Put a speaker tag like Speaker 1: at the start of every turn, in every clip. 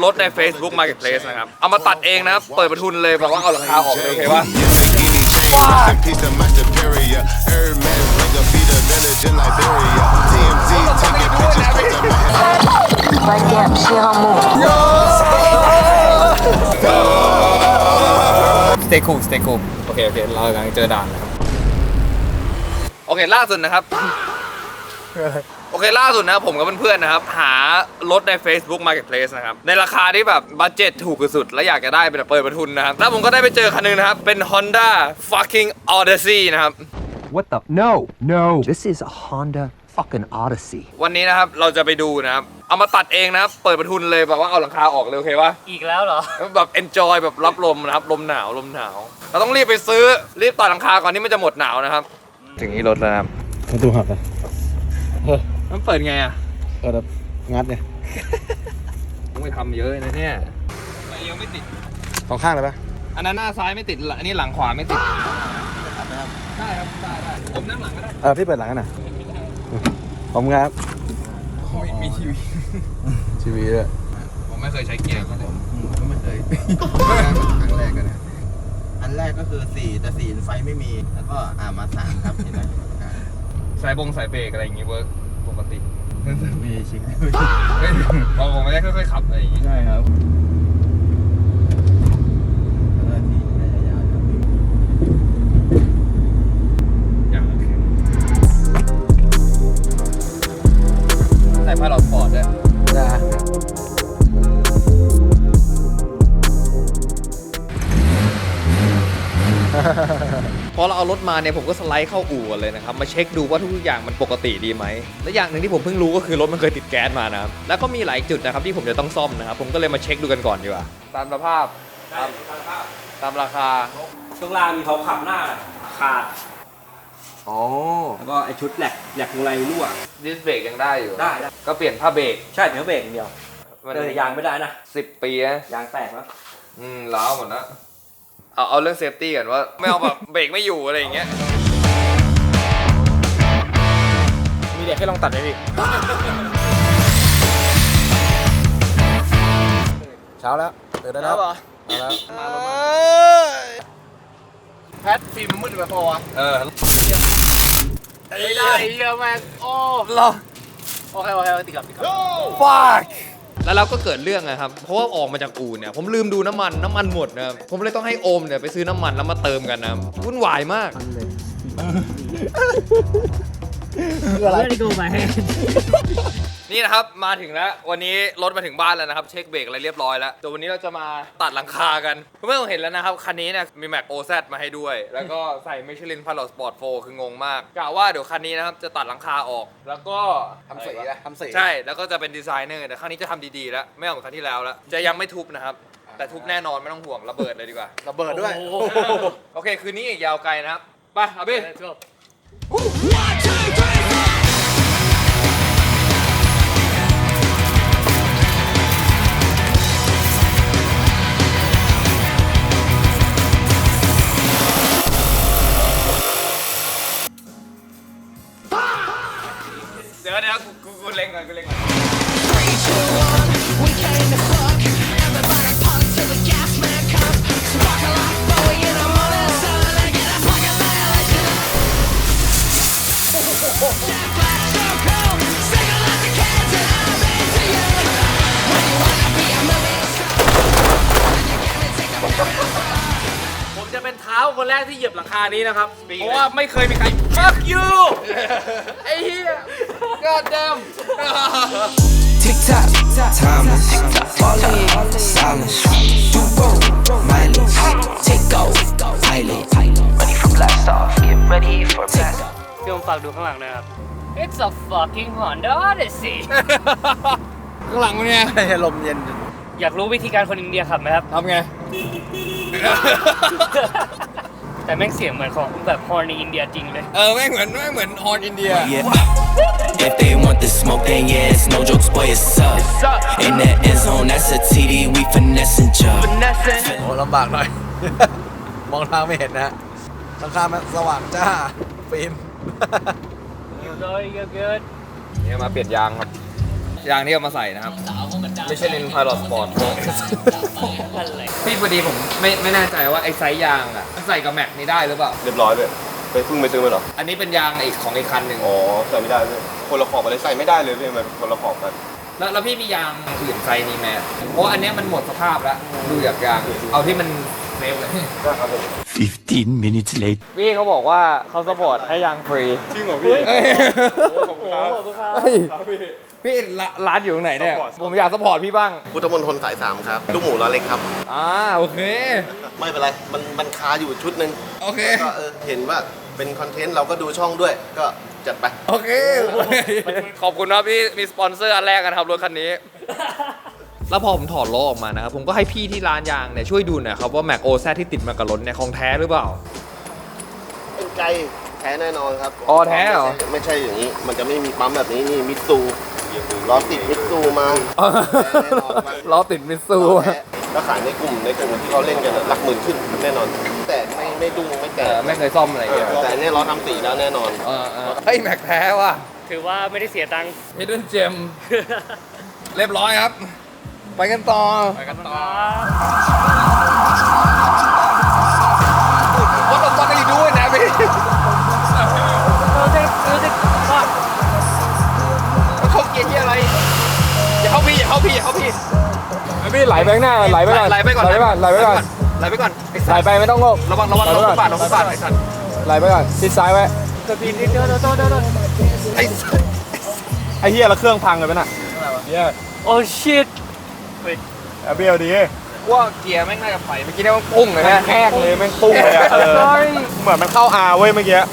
Speaker 1: รถใน Facebook Marketplace นะครับเอามาตัดเองนะครับเปิดประทุนเลยแบบว่าเอาราคาออกเลยโอเคปะstay cool stay cool โอเคเรากำลังเจอด่านนะครับโอเคล่าสุดนะครับโอเคล่าสุดนะผมกับเพื่อนๆนะครับหารถใน Facebook Marketplace นะครับในราคาที่แบบบัดเจ็ตถูกที่สุดและอยากจะได้เป็นเปิดประทุนนะครับแล้วผมก็ได้ไปเจอคันนึงนะครับเป็น Honda fucking Odyssey นะครับ
Speaker 2: What the No This is a Honda fucking Odyssey
Speaker 1: วันนี้นะครับเราจะไปดูนะครับเอามาตัดเองนะครับเปิดประทุนเลยแบบว่าเอาหลังคาออกเลยโอเคปะ
Speaker 3: อีกแล้วเหรอ
Speaker 1: แบบ enjoy แบบรับลมนะครับลมหนาวเราต้องรีบไปซื้อรีบตัดหลังคาก่อนที่มันจะหมดหนาวนะครับถึงนี้รถแล้วครับ
Speaker 4: ประตูหักอ่ะ
Speaker 1: มันเปิดไงอ่ะ
Speaker 4: เปิดแบบงัดเนี่ย
Speaker 1: ต้องไปทำเยอะนะเนี่ยยังไม่ติด
Speaker 4: สองข้างเลยปะ
Speaker 1: อันนั้นหน้าซ้ายไม่ติดอันนี้หลังขวาไม่ติดได้ครับได้ผมนั่งหลังก็ได้
Speaker 4: พี่เปิดหลังกันหน่อยผมครับ
Speaker 1: มีทีวี
Speaker 4: ทีวีด้วย
Speaker 1: ผมไม่เคยใช้เกียร์ก็เลย
Speaker 5: ก็ไม่เคย ครั้งแรกกันนะอันแรกก็คือ4แต่4ไฟไม่มีแล้วก็มา3ครับเห็นไหม
Speaker 1: สายเบรกอะไรอย่างงี้เวิร์กปกติ
Speaker 5: มีชิค
Speaker 1: ผมไม่ได้ค่อยๆขับอะไรอย่างงี้
Speaker 5: ใช่ครับแล้วก็ที่ระยะยาวครับ
Speaker 1: อย่างใส่ผ้าหลอดสปอร์ตด้วย
Speaker 4: นะ
Speaker 1: พอเราเอารถมาเนี่ยผมก็สไลด์เข้าอู่กันเลยนะครับมาเช็คดูว่าทุกอย่างมันปกติดีไหมและอย่างหนึ่งที่ผมเพิ่งรู้ก็คือรถมันเคยติดแก๊สมานะครับแล้วก็มีหลายจุดนะครับที่ผมจะต้องซ่อมนะครับผมก็เลยมาเช็คดูกันก่อนดีกว่าตามสภาพตามราคา
Speaker 3: ช่วงล่างมีเขาขับหน้าขาด
Speaker 1: อ๋อ
Speaker 3: แล้วก็ไอชุดแหลกวงไรรั่ว
Speaker 1: ดิสเบรกยังได้อยู่
Speaker 3: ได้
Speaker 1: ก็เปลี่ยนผ้าเบรก
Speaker 3: ใช่เดี๋ยวเบรกอย่างเดียวยางไม่ได้นะ
Speaker 1: 10 ปีนะ
Speaker 3: ยางแตกแล้ว
Speaker 1: ล้าวหมดแล้วเอาเรื่องเซฟตี้ก่อนว่าไม่เอาแบบเบรกไม่อยู่อะไรอย่างเงี้ย
Speaker 4: มีเด็กให้ลองตัดไหมพี่ เช้าแล้วตื่นได้แล้วเอาแล้ว
Speaker 1: แพทฟิล์มมันมืดไปพอวะไม่ได้เยอะมากโอ้รอ
Speaker 3: โอเคติดกับ
Speaker 1: fuck แล้วเราก็เกิดเรื่องนะครับเพราะว่าออกมาจากอู่เนี่ยผมลืมดูน้ำมันหมดนะครับผมเลยต้องให้โอมเนี่ยไปซื้อน้ำมันแล้วมาเติมกันนะวุ่นวายมาก
Speaker 3: อะไรที่กูไป
Speaker 1: นี่นะครับมาถึงแล้ววันนี้รถมาถึงบ้านแล้วนะครับเช็คเบรกอะไรเรียบร้อยแล้วแต่วันนี้เราจะมาตัดหลังคากันเพื่อนๆเห็นแล้วนะครับคันนี้เนี่ยมีแม็กโอแซมาให้ด้วยแล้วก็ใส่มิชลินพาร์ลสปอร์ต4คืองงมากกะว่าเดี๋ยวคันนี้นะครับจะตัดหลังคาออกแล้วก็
Speaker 4: ทำสี
Speaker 1: ใช่แล้วก็จะเป็นดีไซเนอร์แต่ครั้งนี้จะทำดีๆแล้วไม่เหมือนครั้งที่แล้วแล้วจะยังไม่ทุบนะครับแต่ทุบแน่นอนไม่ต้องห่วงระเบิดเลยดีกว่า
Speaker 4: ระเบิดด้วย
Speaker 1: โอเคคืนนี้อีกยาวไกลนะครับไปเอาพี่เดี๋ยวกูเล็งก่อน
Speaker 3: ผมจะเป็นเท้าคนแรกที่เหยียบหลังคานี้นะครับเพราะว่าไม่เคยมีใคร fuck you
Speaker 1: ไอ้เหี้ย God damn
Speaker 6: Tick tock, timeless, falling, silence, do roll, mileage, take off, pilot, ready for blast off, get ready for blast off.
Speaker 3: พี่ผมฝากดูข้างหลังนะครับ It's a fucking Honda Odyssey
Speaker 1: ข้างหลังมันไง
Speaker 4: ให้ลมเย็น
Speaker 3: อยากรู้วิธีการคนอินเดียขับไหมครับ
Speaker 1: ทำไง
Speaker 3: แต่แม่งเสียงเหมือนของแบบฮอร์นในอินเดียจริงเลย
Speaker 1: แม่งเหมือนฮอร์นอินเดีย
Speaker 6: Yeah. If they want the smoke, then yeah, it's no jokes, boy, it's up. In that end zone, that's a TD, we finessing job.
Speaker 4: โอ้ลำบากหน่อย มองทางไม่เห็นนะหลังคามันสว่างจ้า ฟิล์ม
Speaker 3: Very good
Speaker 1: เนี่ยมาเปลี่ยนยางครับยางที่เอามาใส่นะครับ ไม่ใช่เลนพายลอตสปอร์ตพี่พอดีผมไม่แน่ใจว่าไอ้ไซส์ยางอ่ะใส่กับแม็กนี่ได้หรือเปล่า
Speaker 7: เรียบร้อยเลยไปเพิ่งไปซื้อมาเหรอ
Speaker 1: อันนี้เป็นยางอีกของอีกคันหนึ่ง
Speaker 7: อ๋อใส่ไม่ได้เลยคนละขอบอะไรใส่ไม่ได้เลยพี่มันคนละขอบกัน
Speaker 1: แล้วพี่มียางอื่นไซส์นี้ไหมเพราะอันเนี้ยมันหมดสภาพแล้วดูจากยางเอาที่มันเซฟเลย
Speaker 7: ได้ครับผม
Speaker 2: 15 minutes later.
Speaker 1: พี่เขาบอกว่าเขาสปอร์ตให้ยางฟรี
Speaker 7: จริงเหรอพี่
Speaker 1: ขอบคุณครับพี่ร้านอยู่ตรงไหนเนี่ยผมอยากสปอร์ตพี่บ้าง
Speaker 5: พุทธมณฑลสาย 3 ครับ ลูกหมูล้อเล็กครับ
Speaker 1: โอเค
Speaker 5: ไม่เป็นไร มันคาอยู่ชุดหนึ่ง
Speaker 1: โอเค
Speaker 5: ก็เห็นว่าเป็นคอนเทนต์เราก็ดูช่องด้วย ก็จัดไป
Speaker 1: โอเค ขอบคุณครับพี่มีสปอนเซอร์อันแรกกันครับรถคันนี้ แล้วพอผมถอดล้อออกมานะครับ ผมก็ให้พี่ที่ร้านยางเนี่ยช่วยดูหน่อยครับว่าแม็กโอแซที่ติดมากับรถเนี่ยของแท้หรือเปล่า
Speaker 5: เป็นไกลแท้แน่นอนครับ
Speaker 1: อ๋อแท้เหรอ
Speaker 5: ไม่ใช่อย่างนี้ มันจะไม่มีปั๊มแบบนี้นี่มิตซูล้อติดมิตซูมาแน่นอนมาก
Speaker 1: ล้อติดมิตซู
Speaker 5: แท้แล้วขายในกลุ่มที่เขาเล่นกันหลักหมื่นขึ้นแน่นอน แต่ไม่ดุ้งไม่แตก
Speaker 1: ไม่เคยซ่อมอะไรอย่างเงี้ย
Speaker 5: แต่อันเนี่ยล้อทำสีแล้วแน่นอน
Speaker 1: เฮ้ยแม็กแท้ว่ะ
Speaker 3: ถือว่าไม่ได้เสียตังค์
Speaker 1: Hidden Gem เรียบร้อยครับ ไปกันต่อ What the fuck are you doing นะพี่เข้าเกียร์ที่อะไรอย่าเข้าพี่พี่ไหลไปข้างหน้าไหลไปก่อนไหลไปก่อนไหลไปก่อนไหลไปไม่ต้องโงกระวังฟุตบาทไอ้สัตว์ไหลไปก่อนชิดซ้ายไว้ไอ้เหี้ยแล้วเครื่องพังเลยป่ะน่ะ
Speaker 3: โอ้ชิต
Speaker 7: เบี้ยวดี
Speaker 1: ว่าเกียร์แม่งน่าจะไปเมื่อกี้เนี่ยมันปุ้งเลยฮะ
Speaker 7: แหกเลยแม่งปุ้งเลยอะเหมือนมันเข้าอาเว้ยเมื่อกี้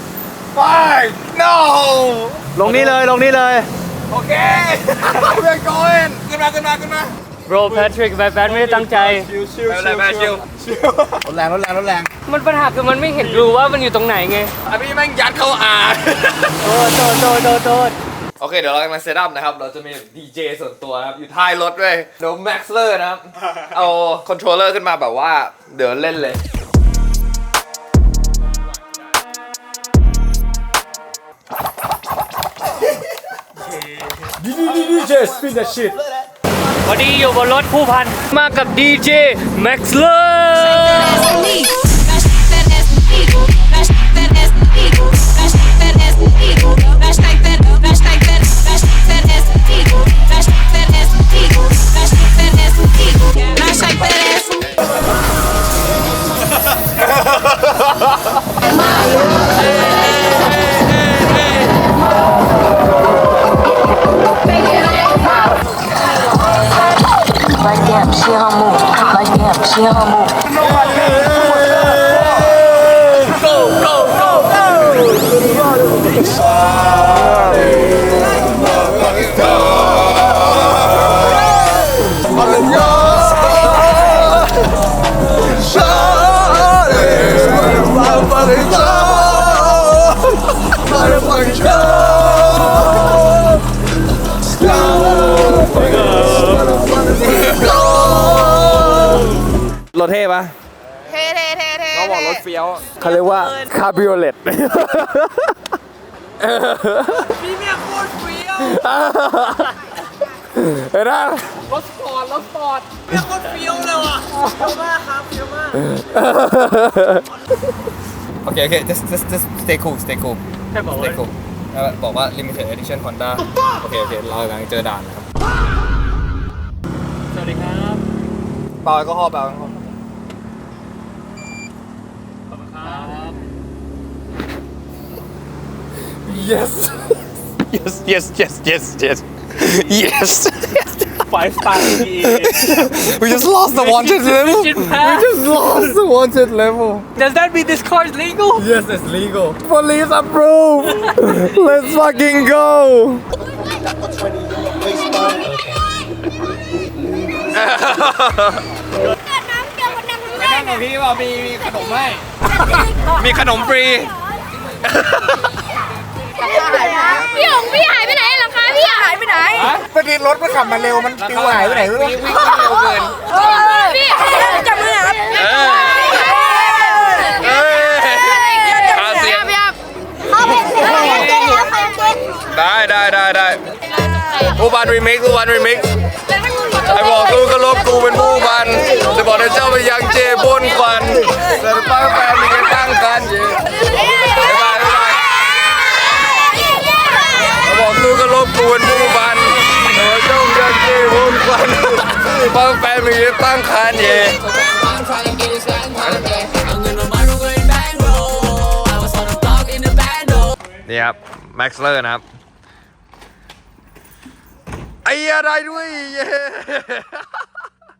Speaker 1: No
Speaker 4: ลงนี่เลย
Speaker 1: โอเค we're going ขึ้นมา
Speaker 3: bro Patrick แบทไม่ได้ตั้งใจ
Speaker 1: ไม่เป็นไรแม่ชิว
Speaker 4: รถแรง
Speaker 3: มันปัญหาคือมันไม่เห็นรูว่ามันอยู่ตรงไหนไง
Speaker 1: อันนี้แม่งยัดเข้าอา
Speaker 3: โทษ
Speaker 1: โอเคเดี๋ยวเรากำลังเซตอัพนะครับ เราจะมีดีเจส่วนตัวนะครับ อยู่ท้ายรถด้วยเดี๋ยวแม็กซ์เลอร์นะครับ เอาคอนโทรลเลอร์ขึ้นมาแบบว่าเดี๋ยวเล่นเลย
Speaker 7: DJ spin that shit
Speaker 3: วันนี้อยู่บนรถผู้พันมากับดีเจแม็กซ์เลอร์
Speaker 8: Like damn, she on move. Like damn, she on move.
Speaker 1: รถเท่ปะ
Speaker 9: เท่
Speaker 1: น้องบอกรถเฟี้ยวเขาเรียกว่าคาบิโอเลตพี่เมียโคตรเฟี้ยวเห็นไหมรถสปอร์ตเมียโคตรเฟี้ยวเลยว่ะเฟี้ยวมากครับเฟี้ยวมากโอเค just stay cool
Speaker 3: แค่บอกว่า
Speaker 1: stay cool บอกว่า limited edition Honda โอเคเรากำลังเจอด่านนะครับ
Speaker 3: สวัสดีครับ
Speaker 1: เปล่าแอลกอฮอล์เปล่าแอลกอฮอล์
Speaker 3: ขอบคุณครับ
Speaker 1: yes
Speaker 3: Five star
Speaker 1: we just lost the wanted level lost the wanted level
Speaker 3: Does that mean this car is legal?
Speaker 1: yes it's legal police approve let's fucking go ไปนั่งกับพี่ว่ามีขนมให้ มีขนมฟรี
Speaker 9: พี่หงพี่หายไปไหนหรอคะพี่หายไปไหน
Speaker 4: เมื่อกี้รถมันขับมาเร็วมันปิวหายไปไหนไม่รู้
Speaker 1: วิ่งเร็วเกิน
Speaker 9: พี่จับมือครับ
Speaker 1: หาเสียง
Speaker 9: พี่ครับเอาเป็นเสียงได้
Speaker 1: ได้
Speaker 9: โอ้
Speaker 1: ผู้พันรีมิกซ์ผู้พันรีมิกซ์ไอ้บอกกูก็ลบกูเป็นผู้พันจะบอกให้เจ้าไปยังเจบนควันแต่ป้าแฟนมีกันตั้งกันเจบ๊ายบายไอ้บอกกูก็ลบกูเป็นผู้พันแต่เจ้ายังเจบนควันป้าแฟนมีกันตั้งกันเจนี่ครับแม็กซ์เลอร์นะครับไอ้อะไรด้วยเย้